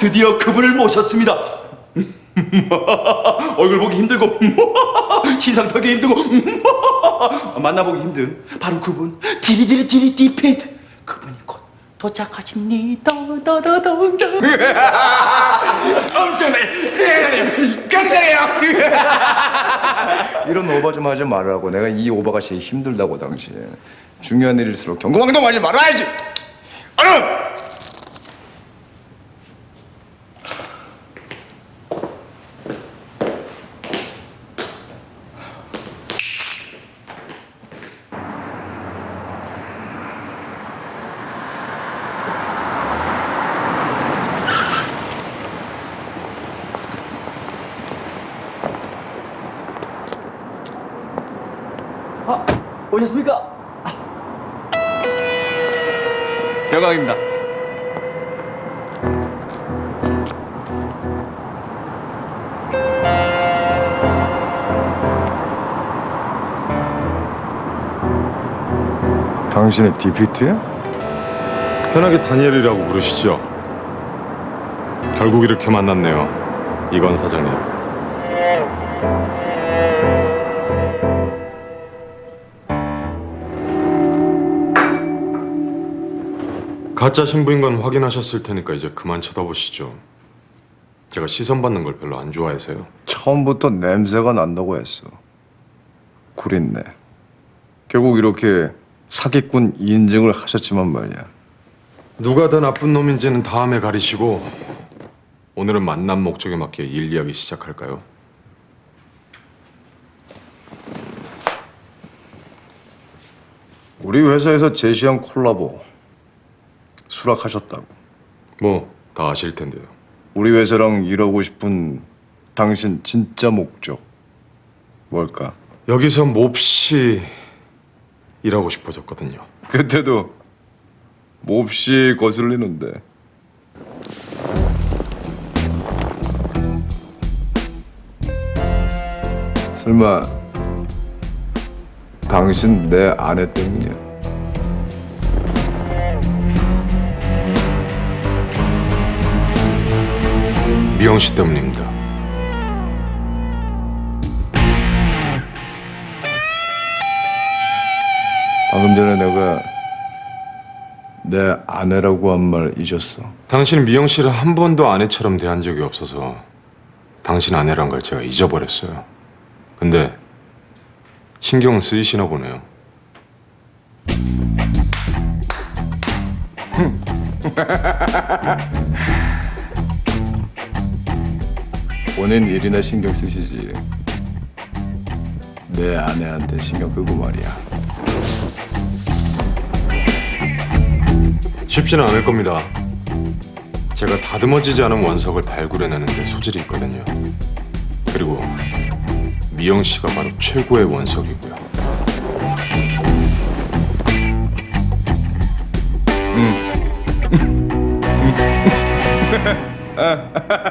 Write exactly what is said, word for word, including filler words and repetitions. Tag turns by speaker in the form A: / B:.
A: 드디어 그분을 모셨습니다. 얼굴 보기 힘들고 시상 타기 힘들고 만나보기 힘든 바로 그분 디리디리 디리 디피트 그분이 곧 도착하십니다. 다다다다. 엄청나게 굉장해요.
B: 이런 오바 좀 하지 말라고. 내가 이 오바가 제일 힘들다고. 당신 중요한 일일수록 경고망동하지 말아야지. 얼른!
A: 아, 오셨습니까?
C: 영광입니다.
B: 당신의 디피트야?
D: 편하게 다니엘이라고 부르시죠. 결국 이렇게 만났네요, 이건 사장님. 가짜 신부인 건 확인하셨을 테니까 이제 그만 쳐다보시죠. 제가 시선 받는 걸 별로 안 좋아해서요.
B: 처음부터 냄새가 난다고 했어. 구린내. 결국 이렇게 사기꾼 인증을 하셨지만 말이야.
D: 누가 더 나쁜 놈인지는 다음에 가리시고 오늘은 만남 목적에 맞게 일 이야기 시작할까요?
B: 우리 회사에서 제시한 콜라보 수락하셨다고.
D: 뭐 다 아실 텐데요.
B: 우리 회사랑 일하고 싶은 당신 진짜 목적 뭘까?
D: 여기서 몹시 일하고 싶어졌거든요.
B: 그때도 몹시 거슬리는데. 설마 당신 내 아내 때문이야?
D: 미영 씨 때문입니다.
B: 방금 전에 내가 내 아내라고 한 말 잊었어.
D: 당신은 미영 씨를 한 번도 아내처럼 대한 적이 없어서 당신 아내란 걸 제가 잊어버렸어요. 근데 신경 쓰이시나 보네요.
B: 본인 일이나 신경 쓰시지. 내 아내한테 신경 끄고 말이야.
D: 쉽지는 않을 겁니다. 제가 다듬어지지 않은 원석을 발굴해내는데 소질이 있거든요. 그리고 미영 씨가 바로 최고의 원석이고요.
B: 응.